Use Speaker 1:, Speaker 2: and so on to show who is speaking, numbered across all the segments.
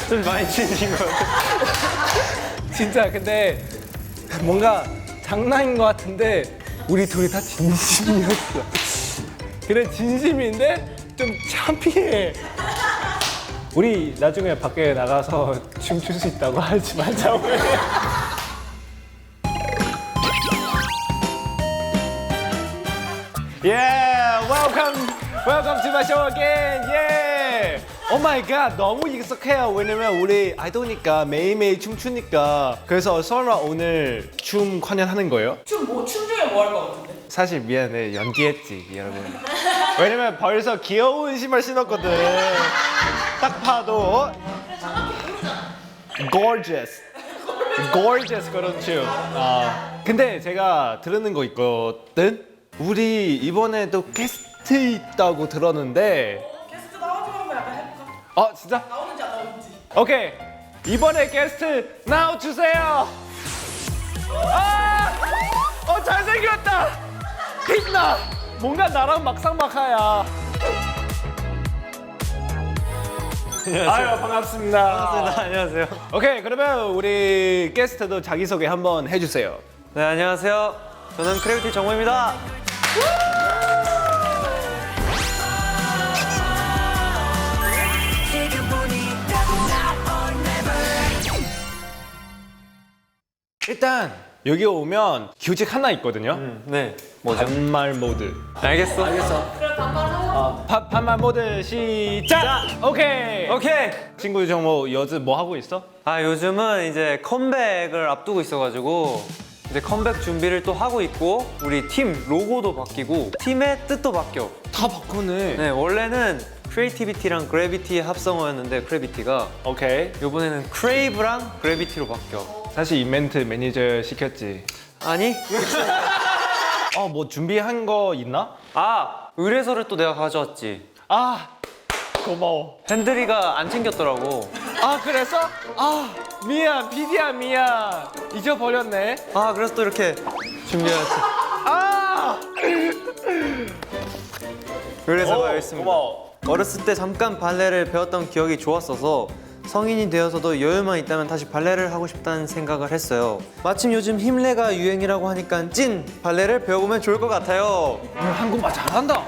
Speaker 1: 좀 많이 친해진 것 같아.
Speaker 2: 진짜 근데 뭔가 장난인 것 같은데 우리 둘이 다 진심이었어. 그래 진심인데 좀 창피해. 우리 나중에 밖에 나가서 춤출 수 있다고 하지 말자고. Yeah, welcome to my show again. Yeah. Oh my god, 너무 익숙해요. 왜냐면 우리 아이돌이니까 매일매일 춤추니까. 그래서 설마 오늘 춤 관련하는 거예요?
Speaker 3: 춤 중에 뭐 할 것 같은데?
Speaker 2: 사실 미안해, 연기했지 여러분. 왜냐면 벌써 귀여운 신발 신었거든. 딱 봐도 gorgeous, gorgeous 그런 춤. 근데 제가 들은 거 있거든. 우리 이번에도 게스트 있다고 들었는데.
Speaker 3: 게스트 나와주면 한번 약간 해볼까?
Speaker 2: 진짜?
Speaker 3: 나오는지 안 나오는지.
Speaker 2: 오케이. 이번에 게스트 나와주세요. 잘생겼다. 빛나. 뭔가 나랑 막상막하야. 아유 반갑습니다.
Speaker 1: 반갑습니다. 안녕하세요.
Speaker 2: 오케이, 그러면 우리 게스트도 자기소개 한번 해주세요.
Speaker 1: 네, 안녕하세요. 저는 크래비티 정우입니다.
Speaker 2: 일단 여기 오면 규칙 하나 있거든요.
Speaker 1: 네, 뭐죠?
Speaker 2: 반말 모드.
Speaker 1: 알겠어.
Speaker 3: 그럼 반말하고.
Speaker 2: 반말 모드 시작. 오케이.
Speaker 1: 오케이.
Speaker 2: 친구 정모 요즘 뭐 하고 있어?
Speaker 1: 요즘은 이제 컴백을 앞두고 있어가지고 이제 컴백 준비를 또 하고 있고 우리 팀 로고도 바뀌고 팀의 뜻도 바뀌어.
Speaker 2: 다 바꾸네.
Speaker 1: 네, 원래는 크리에이티비티랑 그래비티의 합성어였는데 크래비티가
Speaker 2: 오케이.
Speaker 1: 이번에는 크레이브랑 그래비티로 바뀌어.
Speaker 2: 사실 이벤트 매니저 시켰지.
Speaker 1: 아니?
Speaker 2: 뭐 준비한 거 있나?
Speaker 1: 의뢰서를 또 내가 가져왔지.
Speaker 2: 고마워.
Speaker 1: 핸들이가 안 챙겼더라고.
Speaker 2: 그래서? 미안, 비디야 미안. 잊어버렸네.
Speaker 1: 그래서 또 이렇게 준비해왔지. 의뢰서가 여기 있습니다.
Speaker 2: 고마워.
Speaker 1: 어렸을 때 잠깐 발레를 배웠던 기억이 좋았어서 성인이 되어서도 여유만 있다면 다시 발레를 하고 싶다는 생각을 했어요. 마침 요즘 힘내가 유행이라고 하니까 찐 발레를 배워보면 좋을 것 같아요.
Speaker 2: 한국말 잘한다.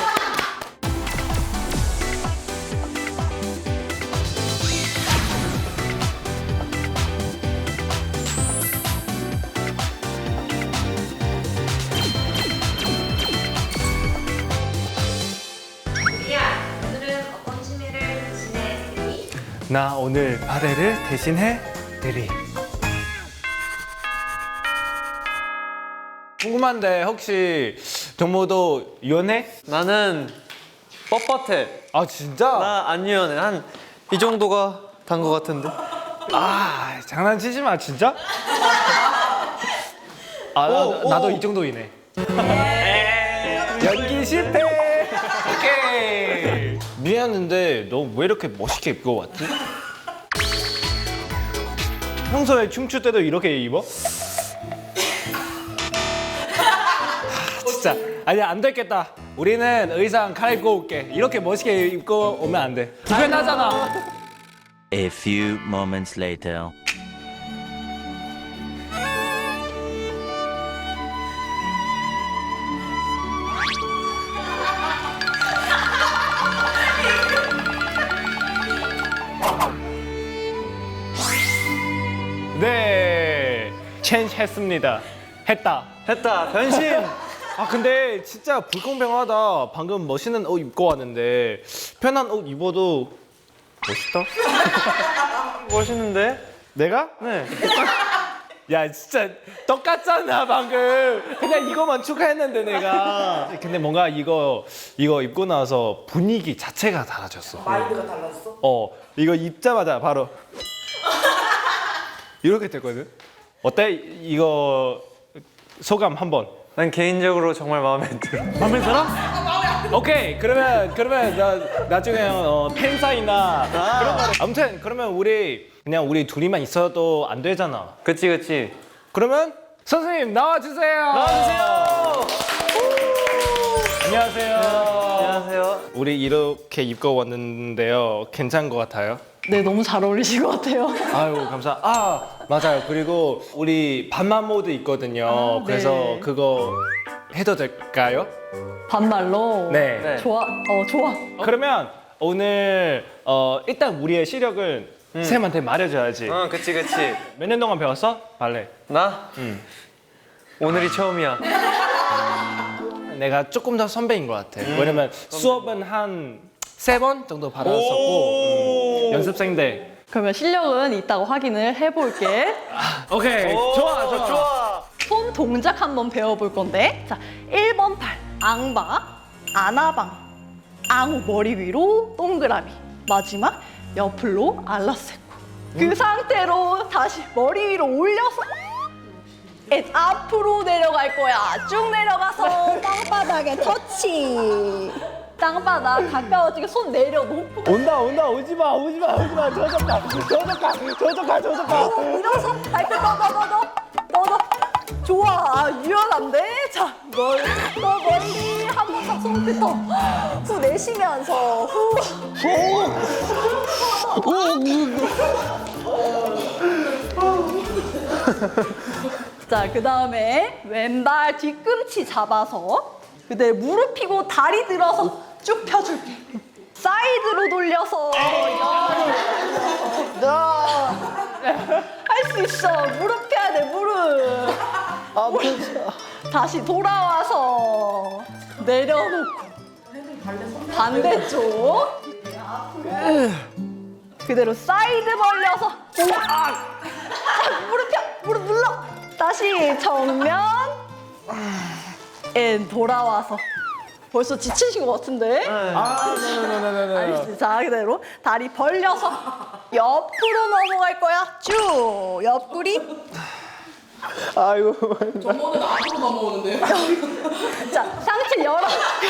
Speaker 4: 리아, 오늘은 어떤 취미를 지냈으니?
Speaker 2: 나 오늘 발레를 대신해 드리. 궁금한데 혹시 정모도 연애?
Speaker 1: 나는 뻣뻣해.
Speaker 2: 진짜?
Speaker 1: 나 안 유연해. 한 이 정도가 단 것 같은데.
Speaker 2: 장난치지 마 진짜? 나도 이 정도이네. 연기 실패. 오케이. 미안한데 너 왜 이렇게 멋있게 입고 왔지? 평소에 춤출 때도 이렇게 입어? 진짜 아니 안 됐겠다. 우리는 의상 갈아입고 올게. 이렇게 멋있게 입고 오면 안 돼. 불편하잖아.
Speaker 5: A few moments later.
Speaker 2: 네, 체인지 했습니다. 했다.
Speaker 1: 변신.
Speaker 2: 근데 진짜 불공평하다. 방금 멋있는 옷 입고 왔는데 편한 옷 입어도 멋있다?
Speaker 1: 멋있는데?
Speaker 2: 내가?
Speaker 1: 네.
Speaker 2: 야 진짜 똑같잖아 방금. 그냥 이거만 추가했는데 내가. 근데 뭔가 이거 입고 나서 분위기 자체가 달라졌어.
Speaker 3: 마인드가 달랐어?
Speaker 2: 이거 입자마자 바로 이렇게 됐거든. 어때? 이거 소감 한번.
Speaker 1: 난 개인적으로 정말 마음에 들어.
Speaker 2: 마음에 들어? 오케이. 그러면 나중에 팬사인이나 그런 거. 아무튼 그러면 우리 둘이만 있어도 안 되잖아.
Speaker 1: 그치.
Speaker 2: 그러면 선생님 나와주세요.
Speaker 1: 나와주세요.
Speaker 2: 안녕하세요.
Speaker 1: 안녕하세요.
Speaker 2: 우리 이렇게 입고 왔는데요. 괜찮은 것 같아요?
Speaker 6: 네, 너무 잘 어울리신 것 같아요.
Speaker 2: 아유 감사. 아 맞아요. 그리고 우리 반말 모드 있거든요. 그래서
Speaker 6: 네.
Speaker 2: 그거 해도 될까요?
Speaker 6: 반말로.
Speaker 2: 네.
Speaker 1: 네.
Speaker 6: 좋아. 좋아.
Speaker 2: 그러면 오늘 일단 우리의 시력은 쌤한테 말해줘야지.
Speaker 1: 그치.
Speaker 2: 몇 년 동안 배웠어? 발레.
Speaker 1: 나? 오늘이 처음이야.
Speaker 2: 내가 조금 더 선배인 것 같아. 왜냐면 수업은 한 3번 정도 받았었고 연습생 때.
Speaker 6: 그러면 실력은 이따가 확인을 해볼게.
Speaker 2: 오케이. 좋아.
Speaker 6: 손 동작 한번 배워볼 건데. 자, 1번 팔. 앙바, 아나방. 앙 머리 위로 동그라미. 마지막 옆으로 알라세코. 그 상태로 다시 머리 위로 올려서 앞으로 내려갈 거야. 쭉 내려가서 땅바닥에 터치. 땅바닥 가까워지게 손 내려놓고
Speaker 2: 온다. 오지마. 저쪽 가.
Speaker 6: 일어서 발끝 넣어. 좋아. 유연한데? 자, 더 멀리 한 번 더 손끝 후 내쉬면서 자, 그 다음에 왼발 뒤꿈치 잡아서 그대로 무릎 펴고 다리 들어서 쭉 펴줄게. 사이드로 돌려서 할 수 있어. 무릎 펴야 돼, 무릎. 다시 돌아와서 내려놓고 반대쪽 그대로 사이드 벌려서 자, 무릎 펴, 무릎 눌러. 다시 정면 돌아와서 벌써 지치신 것 같은데?
Speaker 2: 네네네네.
Speaker 6: 알겠습니다. 자, 그대로 다리 벌려서 옆으로 넘어갈 거야. 쭉 옆구리.
Speaker 2: 아이고.
Speaker 3: 저번엔 앞으로 넘어오는데요?
Speaker 6: 자, 상체 열어.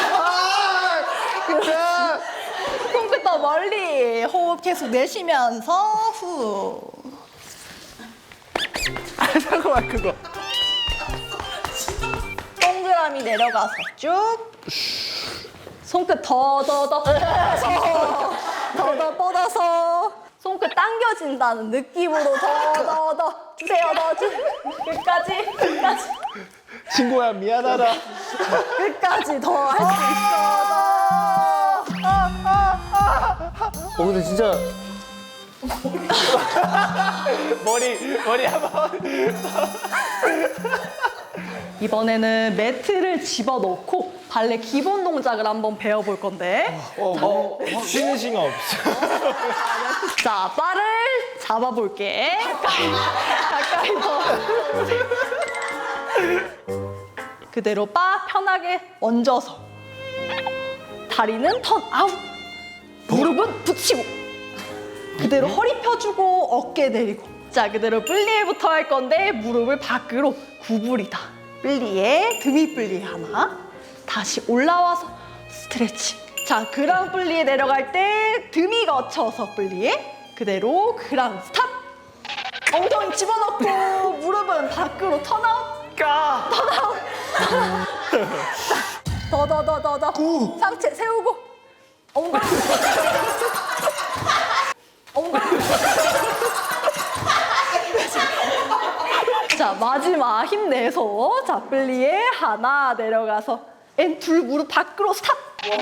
Speaker 6: 손끝 더 멀리. 호흡 계속 내쉬면서 후.
Speaker 2: 잠깐만 그거.
Speaker 6: 동그라미 내려가서 쭉. 손끝 더 뻗어서 손끝 당겨진다는 느낌으로 더 주세요. 끝까지
Speaker 2: 친구야 미안하다.
Speaker 6: 끝까지 더 할 수 있어.
Speaker 1: 근데 진짜
Speaker 2: 머리 한번.
Speaker 6: 이번에는 매트를 집어넣고 발레 기본 동작을 한번 배워볼 건데.
Speaker 2: 쉬는 시간 없어.
Speaker 6: 자, 바를 잡아볼게. 가까이서. 그대로 바 편하게 얹어서. 다리는 턴 아웃. 무릎은 붙이고. 그대로 허리 펴주고 어깨 내리고. 자, 그대로 플리에부터 할 건데 무릎을 밖으로 구부리다. 플리에, 드미 플리에 하나. 다시 올라와서 스트레칭. 자, 그랑 플리에 내려갈 때 드미 거쳐서 플리에. 그대로 그랑 스탑. 엉덩이 집어넣고 무릎은 밖으로 턴아웃. 턴아웃. 더. 상체 세우고. 엉덩이. 자, 마지막 힘내서 자, 플리에 하나 내려가서 둘 무릎 밖으로 스탑.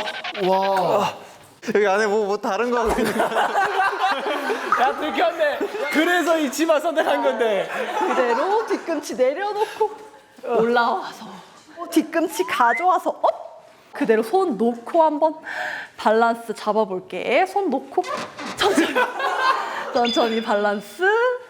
Speaker 1: 여기 안에 뭐 다른 거 하고 있는 거야.
Speaker 2: 야 들켰네. 그래서 이 치마 선택한 건데.
Speaker 6: 그대로 뒤꿈치 내려놓고 올라와서 뒤꿈치 가져와서 업. 그대로 손 놓고 한번 밸런스 잡아볼게. 손 놓고 천천히 밸런스.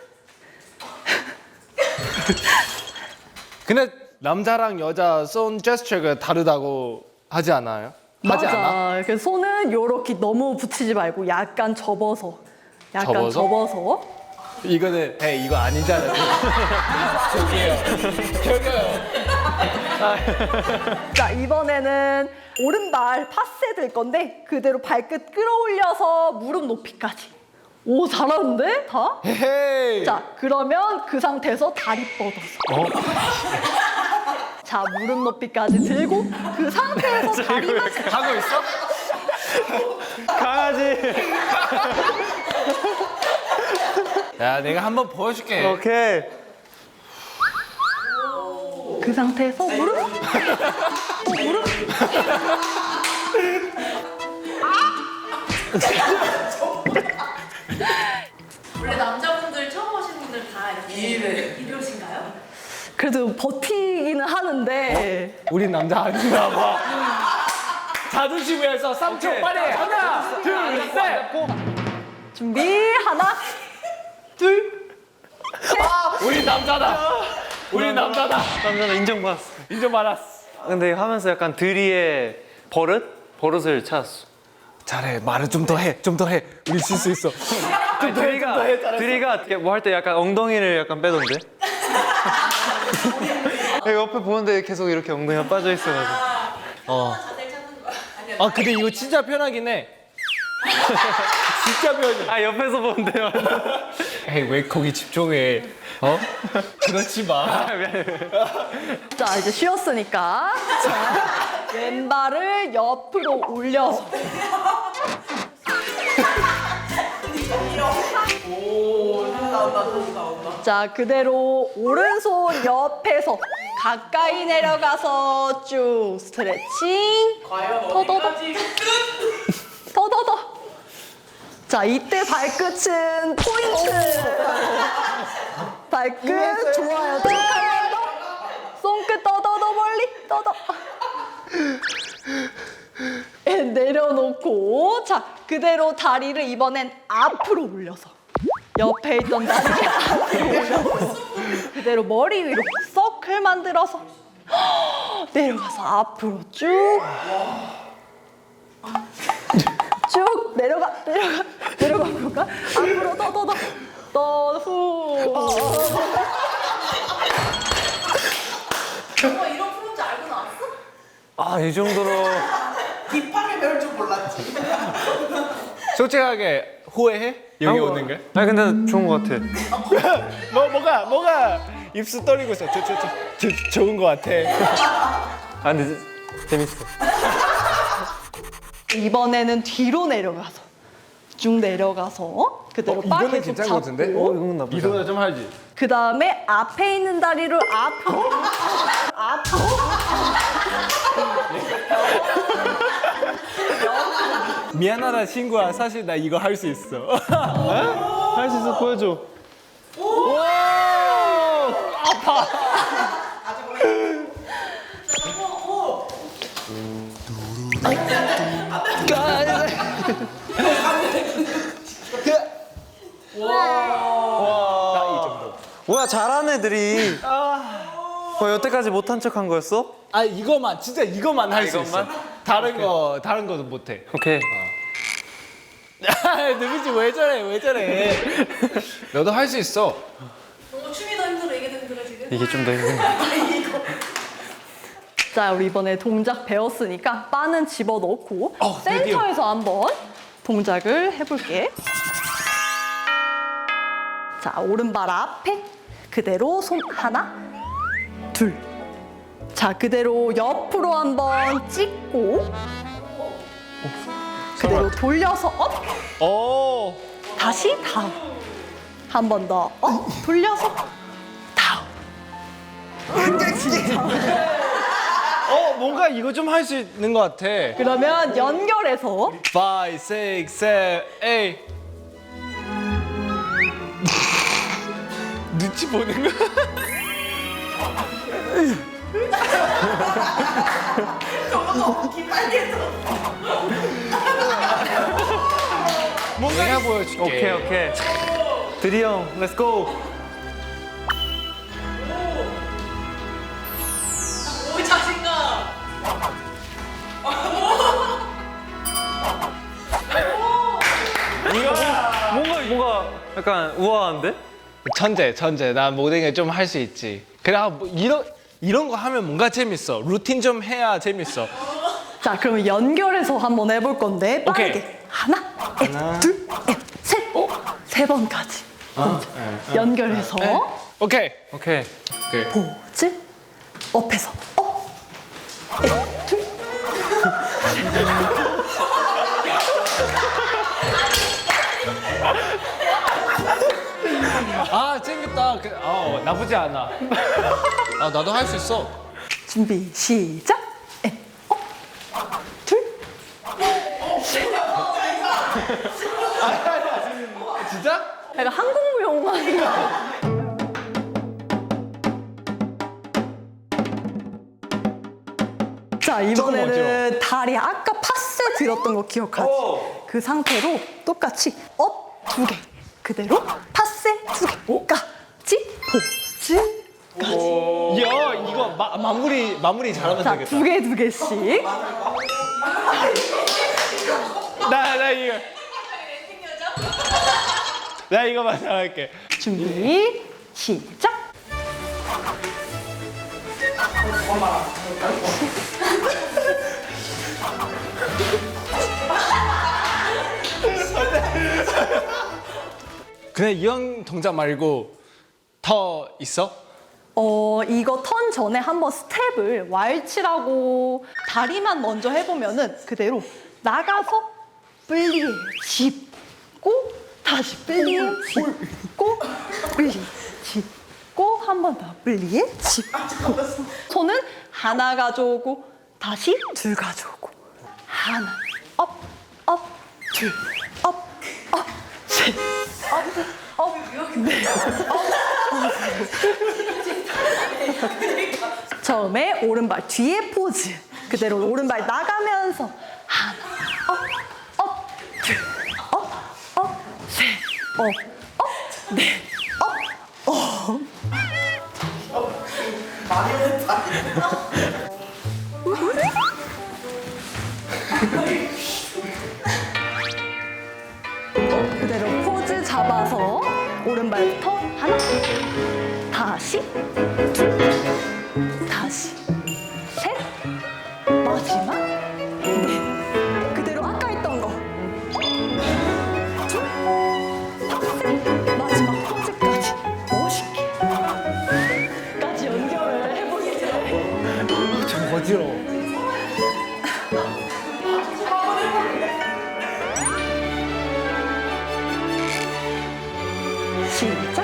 Speaker 2: 근데 남자랑 여자 손 제스처가 다르다고 하지 않아요? 하지 않아?
Speaker 6: 맞아. 그래서 손은 요렇게 너무 붙이지 말고 약간 접어서.
Speaker 2: 이거는 이거 아니잖아요. 저기요.
Speaker 6: 자, 이번에는 오른발 파세 들 건데 그대로 발끝 끌어올려서 무릎 높이까지. 오, 잘하는데? 다?
Speaker 2: 헤이.
Speaker 6: 자, 그러면 그 상태에서 다리 뻗어서. 자, 무릎 높이까지 들고 그 상태에서 다리만
Speaker 2: 하고 있어?
Speaker 1: 강아지.
Speaker 2: 야, 내가 한번 보여줄게.
Speaker 1: 오케이.
Speaker 6: 그 상태에서 무릎 무릎
Speaker 4: 원래 남자분들 처음 오신 분들 다 이렇게 이러신가요?
Speaker 6: 그래도 버티기는 하는데
Speaker 2: 우리 남자 아닌가 봐. 자존심 위해서 3초 빨리. 하나, 둘, 셋.
Speaker 6: 준비 하나 둘
Speaker 2: 우리 남자다. 우리 남자다.
Speaker 1: 남자는 인정받았어.
Speaker 2: 인정받았어.
Speaker 1: 근데 하면서 약간 드리의 버릇을 찾았어.
Speaker 2: 잘해. 말을 좀 더 해. 좀 더 해. 우리 질 수 있어.
Speaker 1: 아니, 드리가 뭐 할 때 약간 엉덩이를 약간 빼던데. 옆에 보는데 계속 이렇게 엉덩이가 빠져 있어가지고.
Speaker 4: 자세를 찾는 거야.
Speaker 2: 근데 이거 진짜 편하긴 해. 진짜 편해.
Speaker 1: 아 옆에서 보는데요.
Speaker 2: 에이, 왜 거기 집중해? 그렇지 마.
Speaker 6: 자, 이제 쉬었으니까 자, 왼발을 옆으로 올려서 자, 그대로 오른손 옆에서 가까이 내려가서 쭉 스트레칭. 더더더. 더더더. 자, 이때 발끝은 포인트. 발끝 좋아요. 쭉 한 번 더. 손끝 더더더 멀리 더더. 내려놓고 자, 그대로 다리를 이번엔 앞으로 올려서 옆에 있던 다리를 앞으로 올려서 그대로 머리 위로 서클 만들어서 내려가서 앞으로 쭉 내려가 볼까? 앞으로 더후
Speaker 4: 너 이런 프로인지 알고 나왔어?
Speaker 1: 아 이 정도로
Speaker 3: 딥하게 배울 줄 몰랐지.
Speaker 2: 솔직하게 후회해? 여기 오는 게?
Speaker 1: 아니 근데 좋은 것 같아.
Speaker 2: 뭐가 입술 떨리고 있어. 좋은 거 같아.
Speaker 1: 아 근데 재밌어.
Speaker 6: 이번에는 뒤로 내려가서 쭉 내려가서 그대로 바 계속 잡고
Speaker 1: 이건 나쁘지.
Speaker 2: 이거보다 좀 하지.
Speaker 6: 그 다음에 앞에 있는 다리를 앞으로
Speaker 2: 미안하다 친구야. 사실 나 이거 할 수 있어.
Speaker 1: 할 수 있어 보여줘.
Speaker 2: 나 이 정도.
Speaker 1: 뭐야 잘하는 애들이. 여태까지 못한 척한 거였어?
Speaker 2: 이거만 진짜 이거만 할 수 있어.
Speaker 1: 이것만?
Speaker 2: 다른 거도 못 해.
Speaker 1: 오케이.
Speaker 2: 누구지 왜 저래? 너도 할 수 있어.
Speaker 4: 너무 춤이 더 힘들어 이게 더 힘들어 지금?
Speaker 1: 이게 좀 더 힘든.
Speaker 6: 자, 우리 이번에 동작 배웠으니까 바는 집어넣고
Speaker 2: 드디어.
Speaker 6: 센터에서 한번 동작을 해볼게. 자, 오른발 앞에 그대로 손 하나 둘. 자, 그대로 옆으로 한번 찍고 그대로 돌려서 업.
Speaker 2: 오.
Speaker 6: 다시 다운. 한 번 더 업. 돌려서 다운.
Speaker 2: 뭔가 이거 좀 할 수 있는 것 같아.
Speaker 6: 그러면 연결해서
Speaker 2: 5, 6, 7, 8. 눈치 보는 거. 내가 보여줄게.
Speaker 1: 오케이. 드리 형, 렛츠 고.
Speaker 4: 오 자신감.
Speaker 1: 뭔가 약간 우아한데?
Speaker 2: 천재. 나 모든 게 좀 할 수 있지. 그래, 뭐 이런 거 하면 뭔가 재밌어. 루틴 좀 해야 재밌어.
Speaker 6: 자, 그러면 연결해서 한번 해볼 건데 빠르게
Speaker 2: 오케이.
Speaker 6: 하나, 둘, 셋, 세 번까지 연결해서
Speaker 2: 오케이.
Speaker 1: 오케이.
Speaker 6: 포즈 업해서 업 둘.
Speaker 2: 아 챙겼다. 나쁘지 않아.
Speaker 7: 아 나도 할 수 있어.
Speaker 6: 준비 시작. 둘.
Speaker 2: 진짜?
Speaker 6: 약간 한국무용만. 자, 이번에는 다리 아까 파세 들었던 거 기억하지? 그 상태로 똑같이 업 두 개, 그대로 파세 두 개까지 포즈까지.
Speaker 2: 야 이거 마무리 잘하면
Speaker 6: 자,
Speaker 2: 되겠다.
Speaker 6: 두 개씩.
Speaker 2: 나 이거. 나 이거만 잘할게.
Speaker 6: 준비 시작.
Speaker 2: 그냥 이런 동작 말고 더 있어?
Speaker 6: 이거 턴 전에 한번 스텝을 왈츠라고 다리만 먼저 해보면은 그대로 나가서 플리에 짚고 다시 플리에 짚고 플리 짚고 한 번 더 플리에 짚고 손은 하나 가져오고 다시 둘 가져오고 하나 업 둘 업 셋 업 넷 처음에 오른발 뒤에 포즈 그대로 오른발 나가면서 하나 그대로 포즈 잡아서 오른발부터 하나 다시 둘 다시 셋 마지막 넷 그대로 아까 했던 거 둘 셋 마지막 포즈까지 멋있게 까지 연결을 해보겠습니다.
Speaker 2: 좀 어지러워.
Speaker 6: 시작.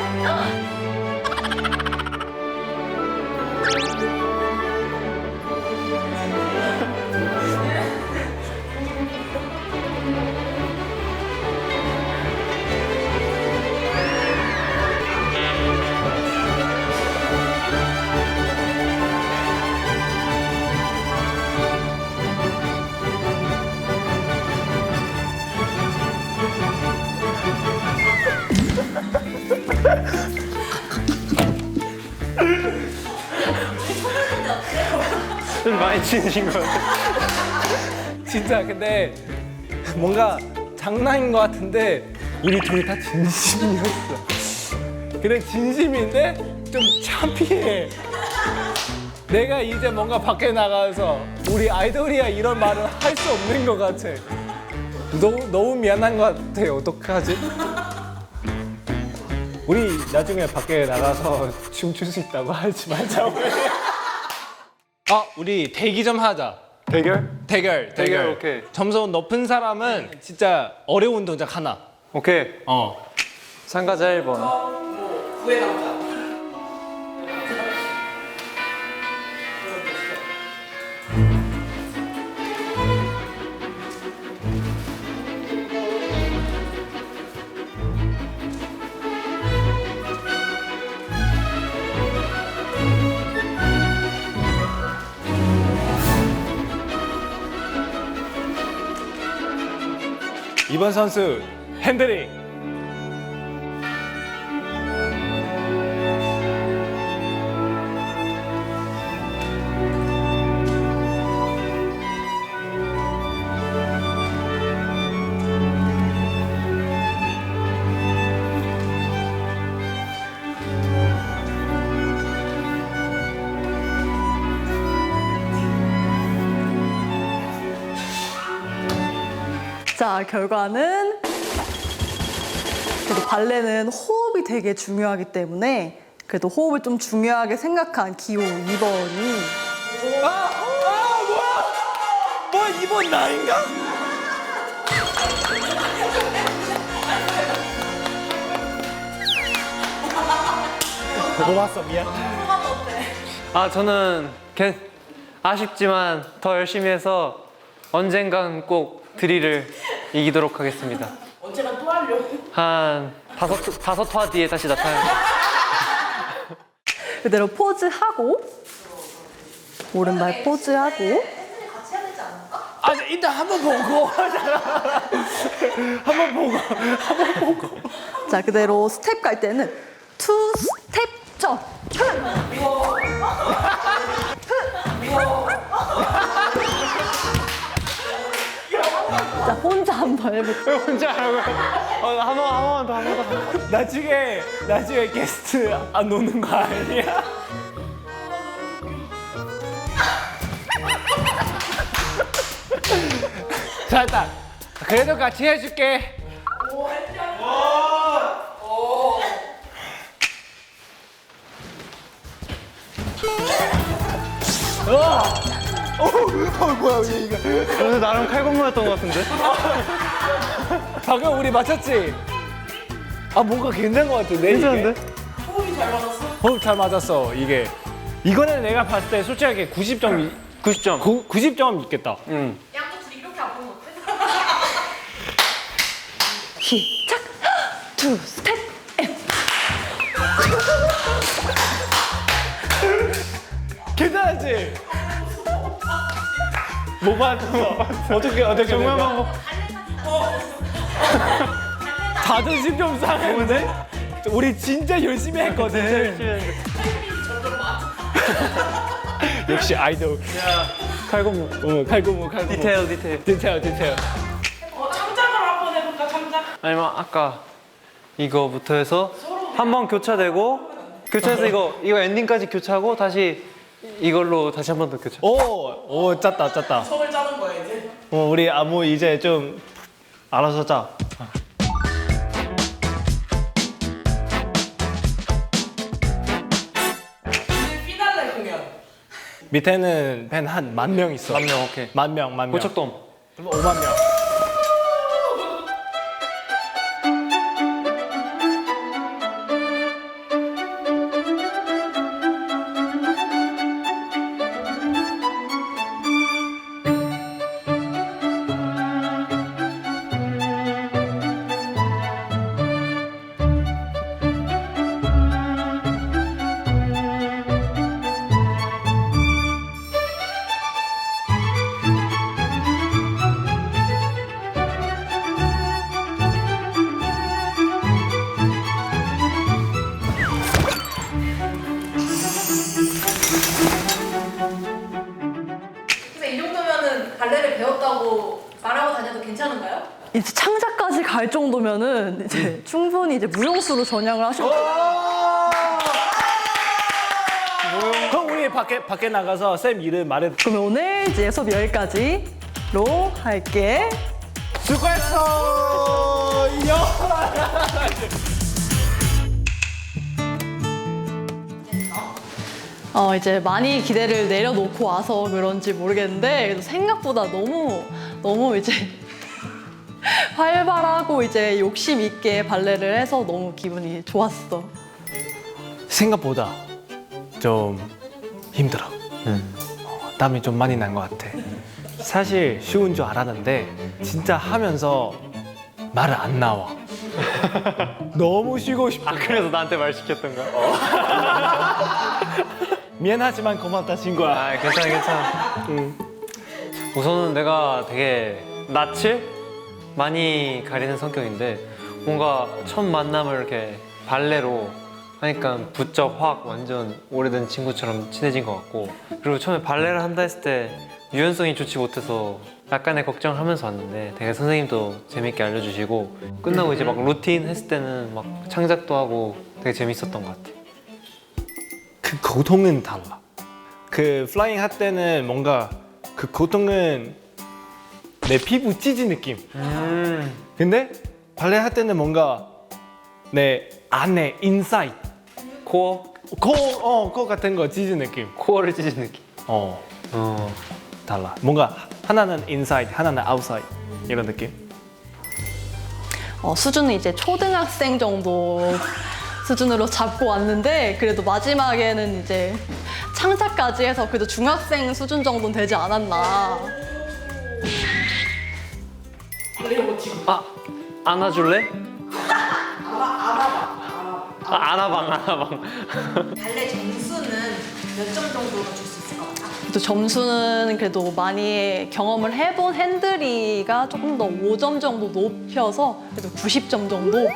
Speaker 2: 좀 많이 치신 것 같아. 진짜 근데 뭔가 장난인 것 같은데 우리 둘이 다 진심이었어. 그래 진심인데 좀 창피해. 내가 이제 뭔가 밖에 나가서 우리 아이돌이야 이런 말을 할 수 없는 것 같아. 너무 미안한 것 같아. 어떡하지? 우리 나중에 밖에 나가서 춤출 수 있다고 하지 말자고. 우리 대기 좀 하자.
Speaker 1: 대결?
Speaker 2: 대결.
Speaker 1: 오케이.
Speaker 2: 점수 높은 사람은 진짜 어려운 동작 하나.
Speaker 1: 오케이.
Speaker 2: 어.
Speaker 1: 참가자 1번.
Speaker 3: 구해 남자.
Speaker 2: 이번 선수 핸드링.
Speaker 6: 자, 결과는 그래도 발레는 호흡이 되게 중요하기 때문에 그래도 호흡을 좀 중요하게 생각한 기호 2번이
Speaker 2: 이번 나인가? 고맙어 미안.
Speaker 1: 아 저는 아쉽지만 더 열심히 해서 언젠간 꼭 드릴을 이기도록 하겠습니다.
Speaker 3: 언제나 또 하려고.
Speaker 1: 한 다섯 화 뒤에 다시 나타나요.
Speaker 6: 그대로 포즈하고 오른발 포즈하고
Speaker 4: 팬들이 같이 해야 되지 않을까?
Speaker 2: 아 일단 한번 보고 한번 보고.
Speaker 6: 자 그대로 스텝 갈 때는 투 스텝 점. 자 혼자 한번 해볼게요.
Speaker 1: 혼자 하라고요? 한 번만 더.
Speaker 2: 나중에 게스트 안 오는 거 아니야? 잘했다. 그래도 같이 해줄게. 뭐야 이거?
Speaker 1: 오늘 나름 칼군무였던 것 같은데?
Speaker 2: 방금 우리 맞췄지? 아 뭔가 괜찮은 것 같은데?
Speaker 1: 괜찮은데?
Speaker 3: 호흡이 잘 맞았어.
Speaker 2: 호흡 잘 맞았어 이게. 이거는 내가 봤을 때 솔직하게 90점 90점 있겠다.
Speaker 4: 양쪽 둘이 이렇게 안 보는 거 어때?
Speaker 6: 시작. 투 스텝 앤.
Speaker 2: 괜찮았지? 못 맞았어. 어떻게 정말 방법. 자존심 좀 상했는데? 우리 진짜 열심히 했거든. 역시 아이돌. 칼군무. 칼군무.
Speaker 1: 디테일.
Speaker 2: 디테일.
Speaker 3: 창작을 한번 해볼까, 창작?
Speaker 1: 아니면 아까 이거부터 해서 한 번 교차해서 이거 엔딩까지 교차하고 다시 이걸로 다시 한 번 더 교차.
Speaker 2: 오, 짰다.
Speaker 3: 성을 짜는 거야, 이제.
Speaker 2: 우리 아무 이제 좀 알아서 짜.
Speaker 3: 오늘 피날레 공연.
Speaker 2: 밑에는 팬 한 10,000명 있어.
Speaker 1: 10,000명, 오케이.
Speaker 2: 10,000명.
Speaker 1: 고척돔.
Speaker 2: 5만 명.
Speaker 4: 그래서 이 정도면은 발레를 배웠다고 말하고 다녀도 괜찮은가요?
Speaker 6: 이제 창작까지 갈 정도면은 이제 충분히 이제 무용수로 전향을 하셔도
Speaker 2: 그럼 우리 밖에 나가서 쌤 이름 말해.
Speaker 6: 그러면 오늘 이제 수업 여기까지로 할게.
Speaker 2: 수고했어.
Speaker 6: 이제 많이 기대를 내려놓고 와서 그런지 모르겠는데 그래도 생각보다 너무 이제 활발하고 이제 욕심 있게 발레를 해서 너무 기분이 좋았어.
Speaker 2: 생각보다 좀 힘들어. 땀이 좀 많이 난 것 같아. 사실 쉬운 줄 알았는데 진짜 하면서 말을 안 나와. 너무 쉬고 싶어.
Speaker 1: 그래서 나한테 말 시켰던 거야?
Speaker 2: 미안하지만 고맙다 친구야.
Speaker 1: 아, 괜찮아. 우선은 내가 되게 낯을 많이 가리는 성격인데 뭔가 첫 만남을 이렇게 발레로 하니까 부쩍 확 완전 오래된 친구처럼 친해진 것 같고, 그리고 처음에 발레를 한다 했을 때 유연성이 좋지 못해서 약간의 걱정을 하면서 왔는데 되게 선생님도 재밌게 알려주시고, 끝나고 이제 막 루틴 했을 때는 막 창작도 하고 되게 재밌었던 것 같아.
Speaker 2: 그 고통은 달라. 그 플라잉 할 때는 뭔가 그 고통은 내 피부 찢은 느낌. 근데 발레 할 때는 뭔가 내 안에 인사이드
Speaker 1: 코어?
Speaker 2: 코 같은 거 찢은 느낌.
Speaker 1: 코어를 찢은 느낌.
Speaker 2: 달라. 뭔가 하나는 inside, 하나는 outside 이런 느낌.
Speaker 6: 수준은 이제 초등학생 정도 수준으로 잡고 왔는데 그래도 마지막에는 이제 창작까지 해서 그래도 중학생 수준 정도는 되지 않았나.
Speaker 1: 안아줄래? 안아방.
Speaker 4: 발레 점수는 몇 점 정도로 줄 수 있을 것 같아?
Speaker 6: 또 점수는 그래도 많이 경험을 해본 핸들이가 조금 더 5점 정도 높여서 그래도 90점 정도.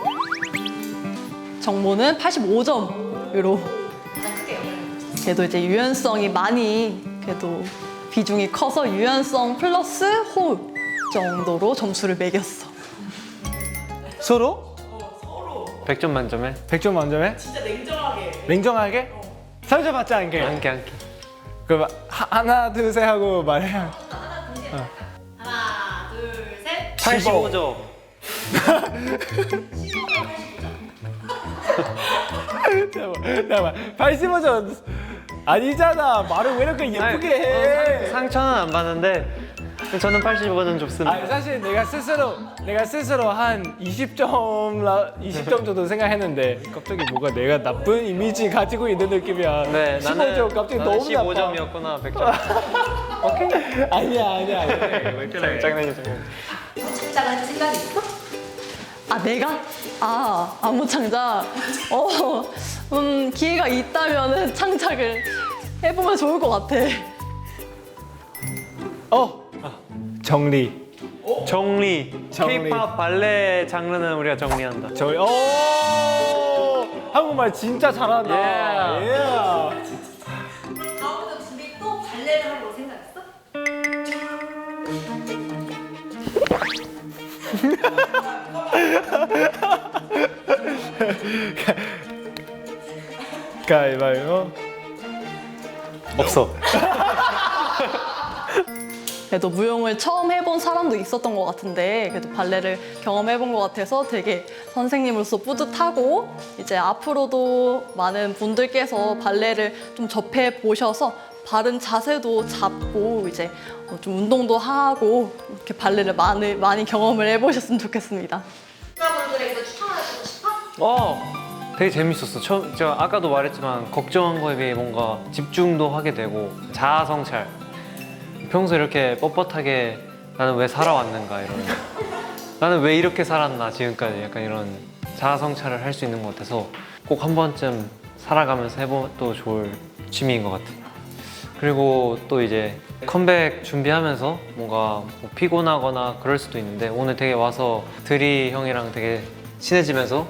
Speaker 6: 정모는 85점으로.
Speaker 4: 가장 크게 영향을 줬어.
Speaker 6: 그래도 이제 유연성이 많이 그래도 비중이 커서 유연성 플러스 호흡 정도로 점수를 매겼어.
Speaker 2: 서로?
Speaker 1: 100점 만점에
Speaker 2: 100점 만점에?
Speaker 3: 진짜 냉정하게.
Speaker 2: 냉정하게? 상처받지 않게.
Speaker 1: 안게.
Speaker 2: 그럼 하나 둘 셋 하고 말해.
Speaker 4: 하나, 둘, 셋.
Speaker 1: 85점.
Speaker 2: 잠깐만 85점 아니잖아. 말을 왜 이렇게 예쁘게 해?
Speaker 1: 상처는 안 받는데 저는 85점 줬습니다.
Speaker 2: 아니 사실 내가 스스로 한 20점 정도 생각했는데 갑자기 뭐가 내가 나쁜 이미지 가지고 있는 느낌이야.
Speaker 1: 네,
Speaker 2: 15점 갑자기 너무 나빠.
Speaker 1: 15점이었구나 100점.
Speaker 2: 아니야.
Speaker 1: 장난이죠.
Speaker 4: 창작을 할 생각이 있어?
Speaker 6: 내가? 안무 창작? 기회가 있다면은 창작을 해보면 좋을 것 같아.
Speaker 2: 정리.
Speaker 1: 정리. K-pop 발레 장르는 우리가 정리한다.
Speaker 2: 한국말 진짜 잘한다. 예.
Speaker 4: 다음부터 둘이 또 발레를 하려고 생각했어?
Speaker 2: 가위바위보.
Speaker 1: 없어.
Speaker 6: 그래도 무용을 처음 해본 사람도 있었던 것 같은데 그래도 발레를 경험해본 것 같아서 되게 선생님으로서 뿌듯하고 이제 앞으로도 많은 분들께서 발레를 좀 접해 보셔서 바른 자세도 잡고 이제 좀 운동도 하고 이렇게 발레를 많이 경험을 해보셨으면 좋겠습니다.
Speaker 4: 여자분들에게 추천해주고 싶어?
Speaker 1: 되게 재밌었어. 제가 아까도 말했지만 걱정한 거에 비해 뭔가 집중도 하게 되고 자아 성찰. 평소 이렇게 뻣뻣하게 나는 왜 살아왔는가 이런 나는 왜 이렇게 살았나 지금까지 약간 이런 자아 성찰을 할 수 있는 것 같아서 꼭 한 번쯤 살아가면서 해봐도 좋을 취미인 것 같아요. 그리고 또 이제 컴백 준비하면서 뭔가 뭐 피곤하거나 그럴 수도 있는데 오늘 되게 와서 드리 형이랑 되게 친해지면서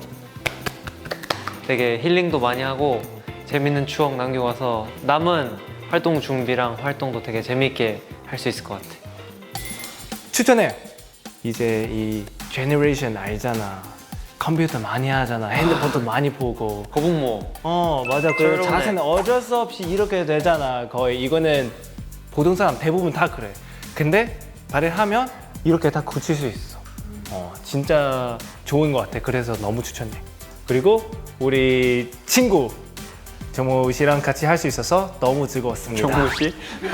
Speaker 1: 되게 힐링도 많이 하고 재밌는 추억 남기고 와서 남은 활동 준비랑 활동도 되게 재밌게 할 수 있을 것 같아.
Speaker 2: 추천해. 이제 이 제너레이션 알잖아. 컴퓨터 많이 하잖아. 핸드폰도 많이 보고.
Speaker 1: 거북목.
Speaker 2: 맞아. 그
Speaker 1: 조용해.
Speaker 2: 자세는 어쩔 수 없이 이렇게 되잖아. 거의 이거는 보통 사람 대부분 다 그래. 근데 발을 하면 이렇게 다 고칠 수 있어. 진짜 좋은 것 같아. 그래서 너무 추천해. 그리고 우리 친구 정모 씨랑 같이 할 수 있어서 너무 즐거웠습니다.
Speaker 1: 정모 씨?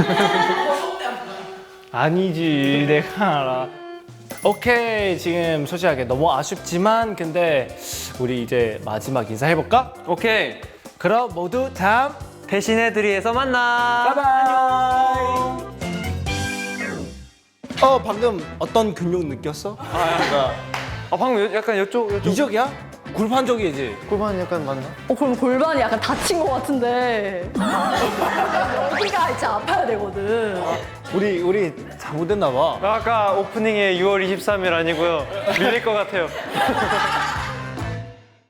Speaker 2: 아니지, 내가 알아. 오케이, 지금 솔직하게 너무 아쉽지만 근데 우리 이제 마지막 인사해볼까?
Speaker 1: 오케이.
Speaker 2: 그럼 모두 다음
Speaker 1: 대신에 드리에서 만나.
Speaker 2: 바이바이. 방금 어떤 근육 느꼈어?
Speaker 1: 방금 약간 이쪽
Speaker 2: 이적이야? 굴판 적이지?
Speaker 1: 골반 약간 맞나?
Speaker 6: 그럼 골반이 약간 다친 것 같은데 여기가 이제 아파야 되거든.
Speaker 2: 우리 잘못됐나 봐.
Speaker 1: 아까 오프닝에 6월 23일 아니고요. 밀릴 것 같아요.